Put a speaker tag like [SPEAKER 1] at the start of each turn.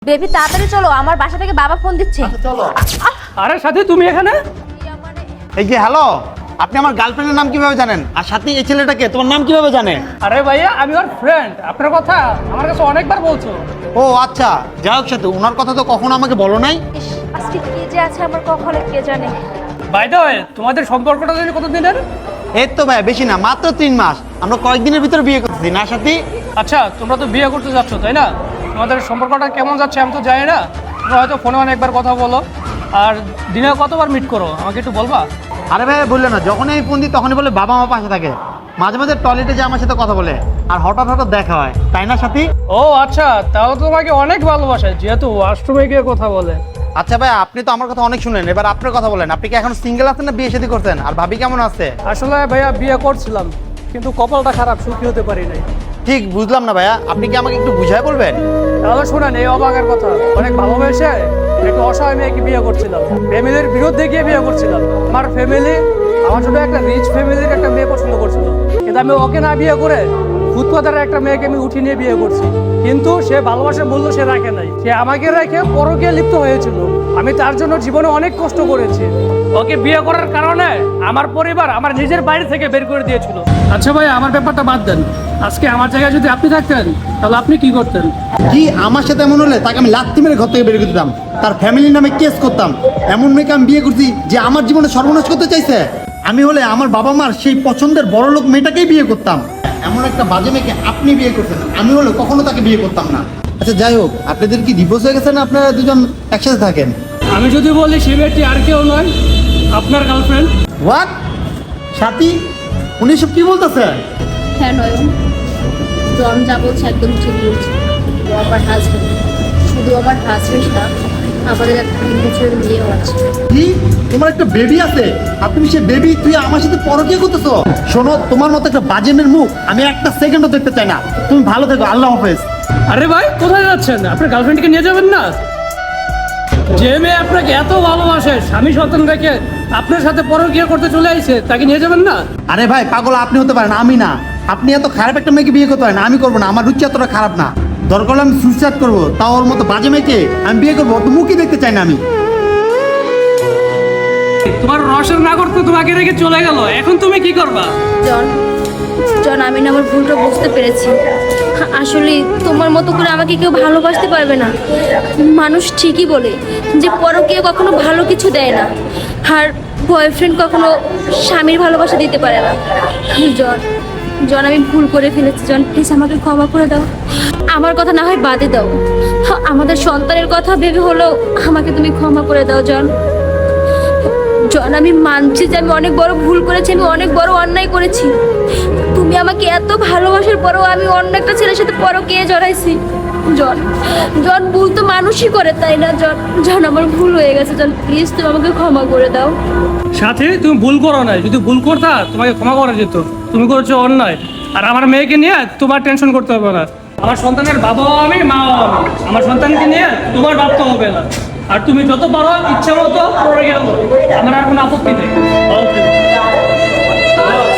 [SPEAKER 1] Baby তাড়াতাড়ি চলো, আমার বাসা থেকে বাবা ফোন দিচ্ছে।
[SPEAKER 2] চলো।
[SPEAKER 3] আরে সাথী তুমি এখানে?
[SPEAKER 2] এই যে হ্যালো, আপনি আমার গার্লফ্রেন্ডের নাম কিভাবে জানেন? আর সাথে এই ছেলেটাকে তোমার নাম কিভাবে জানে?
[SPEAKER 3] আরে ভাইয়া আমি ওর ফ্রেন্ড, আপনার কথা আমার কাছে অনেকবার বলছো।
[SPEAKER 2] ও আচ্ছা, যাই হোক সাথে ওনার কথা তো কখনো আমাকে বলো নাই।
[SPEAKER 1] ইস, আজকে কি যে আছে আমার কখনো কে জানে।
[SPEAKER 3] বাই দ্য ওয়ে, তোমাদের সম্পর্কটা যদি কতদিনের?
[SPEAKER 2] এই তো ভাই বেশি না, মাত্র 3 মাস। আমরা কয়েকদিনের ভিতরে বিয়ে করতেছি না সাথী?
[SPEAKER 3] আচ্ছা তোমরা তো বিয়ে করতে যাচ্ছ তাই না? তোমাদের সম্পর্কটা কেমন যাচ্ছে আমি তো জানি না। তোমরা হয়তো ফোনে অনেকবার কথা বলো, আর দিনে কতবার মিট করো আমাকে একটু বলবা?
[SPEAKER 2] আরে ভাই বললে না, যখনই আমি ফোন দিই তখনই বলে বাবা মা পাশে থাকে। মাঝে মাঝে টয়লেটে যে আমার সাথে কথা বলে, আর হঠাৎ হঠাৎ দেখা হয়, তাই না সাথী?
[SPEAKER 3] ও আচ্ছা, তাহলে তো তোমাকে অনেক ভালোবাসে যেহেতু ওয়াশরুমে গিয়ে কথা বলে।
[SPEAKER 2] আচ্ছা ভাই, আপনি তো আমার কথা অনেক শুনেন, এবার আপনার কথা বলেন। আপনি কি এখন সিঙ্গেল আছেন না বিয়ে শাদী করছেন? আর ভাবি কেমন আছে?
[SPEAKER 3] আসলে ভাইয়া বিয়ে করছিলাম, কিন্তু কপালটা খারাপ, সুখী হতে পারি নাই।
[SPEAKER 2] ঠিক বুঝলাম না ভাইয়া, আপনি কি আমাকে একটু বুঝায় বলবেন?
[SPEAKER 3] তাহলে শোনেন এই অবাকের কথা, অনেক ভালোবেসে একটা অসহায় মেয়েকে বিয়ে করছিলাম, ফ্যামিলির বিরুদ্ধে গিয়ে বিয়ে করছিলাম। আমার ফ্যামিলি আমার জন্য একটা রিচ ফ্যামিলির একটা মেয়ে পছন্দ করছিল, কিন্তু আমি ওকে না বিয়ে করে ফুটপাতের একটা মেয়েকে আমি উঠিয়ে নিয়ে বিয়ে করছি। কিন্তু সে ভালোবাসার মূল্য সে রাখে নাই, সে আমাকে রেখে পরকে লিপ্ত হয়েছিল। আমি তার জন্য জীবনে অনেক কষ্ট করেছি। ওকে বিয়ে করার কারণে আমার পরিবার আমার নিজের বাড়ি থেকে বের করে দিয়েছিল। আচ্ছা ভাই, আমার ব্যাপারটা বাদ দেন। আজকে আমার জায়গায় যদি আপনি থাকতেন তাহলে আপনি কি করতেন?
[SPEAKER 2] কি আমার সাথে এমন হলে তাকে আমি লাথি মেরে ঘর থেকে বের করে দিতাম, তার ফ্যামিলির নামে কেস করতাম। এমন মেয়েকে আমি বিয়ে করছি যে আমার জীবনে সর্বনাশ করতে চাইছে। আমি হলে আমার বাবা মার সেই পছন্দের বড় লোক মেয়েটাকেই বিয়ে করতাম। এমন একটা বাজে মেয়েকে আপনি বিয়ে করতেন, আমি হলে কখনো তাকে বিয়ে করতাম না। আচ্ছা যাই হোক, আপনাদের কি ডিভোর্স হয়ে গেছে না আপনারা দুজন একসাথে থাকেন?
[SPEAKER 3] আমি যদি বলি সে মেয়েটি আর কেউ নয়, আপনার গার্লফ্রেন্ড।
[SPEAKER 2] হোয়াট? সাথী, উনি সব কি বলতেছে?
[SPEAKER 4] হ্যাঁ নয়ন, জন যা বলছে একদম ঠিক বলছে। ও আমার হাজবেন্ড, শুধু আমার হাজবেন্ড না, আমাদের একটা 3 বছরের মেয়েও আছে।
[SPEAKER 2] কি তোমার একটা বেবি আছে, আর তুমি সে বেবি তুই আমার সাথে পরকীয়া করতেছো? শোনো, তোমার মতো একটা বাজে মেয়ের মুখ আমি একটা সেকেন্ডও দেখতে চাই না। তুমি ভালো থেকো, আল্লাহ হাফেজ।
[SPEAKER 3] আরে ভাই কোথায় যাচ্ছেন? আপনার গার্লফ্রেন্ডকে নিয়ে যাবেন না? যে মেয়ে আপনাকে এত ভালোবাসে, স্বামী সন্তান রেখে আপনার সাথে পরকীয়া করতে চলে আসছে, তাকে নিয়ে যাবেন না?
[SPEAKER 2] আরে ভাই পাগল আপনি হতে পারেন, আমি না। আপনি এত খারাপ একটা মেয়েকে বিয়ে করতে পারেন, আমি করবো না। আমার রুচি এতটা খারাপ না। দরকার হলে আমি সুইসাইড করবো, তাও ওর মতো বাজে মেয়েকে আমি বিয়ে করবো। অত মুখই দেখতে চাই না আমি।
[SPEAKER 3] তোমার রসের না করতে তোমাকে রেখে চলে গেল, এখন তুমি কি করবা?
[SPEAKER 4] জন জন আমি না আমার ভুলটা বুঝতে পেরেছি। আসলে তোমার মতো করে আমাকে কেউ ভালোবাসতে পারবে না। মানুষ ঠিকই বলে যে পরকীয়া কখনো ভালো কিছু দেয় না, আর বয়ফ্রেন্ড কখনো স্বামীর ভালোবাসা দিতে পারে না। জন জন আমি ভুল করে ফেলেছি। জন প্লিজ আমাকে ক্ষমা করে দাও। আমার কথা না হয় বাদে দাও, আমাদের সন্তানের কথা ভেবে হলেও আমাকে তুমি ক্ষমা করে দাও। জন জন আমি মানছি যে আমি অনেক বড় ভুল করেছি, আমি অনেক বড় অন্যায় করেছি। তুমি আমাকে এত ভালোবাসার পরেও আমি অন্য একটা ছেলের সাথে পরকীয়া জড়াইছি। জন জন ভুল তো মানুষই করে, তাই না? জন জন আমার ভুল হয়ে গেছে। জন প্লিজ তুমি আমাকে ক্ষমা করে দাও।
[SPEAKER 3] সাথে তুমি ভুল করো নাই, যদি ভুল করতা তোমাকে ক্ষমা করা যেত। তুমি করেছো অন্যায়, আর আমার মেয়েকে নিয়ে তোমার টেনশন করতে হবে না। আমার সন্তানের বাবাও আমি, মাও আমি। আমার সন্তানকে নিয়ে তোমার ভাবতে হবে না। আর তুমি যত পারো ইচ্ছা মতো পড়ে গেল, আমার আর কোনো আপত্তি নেই। Okay.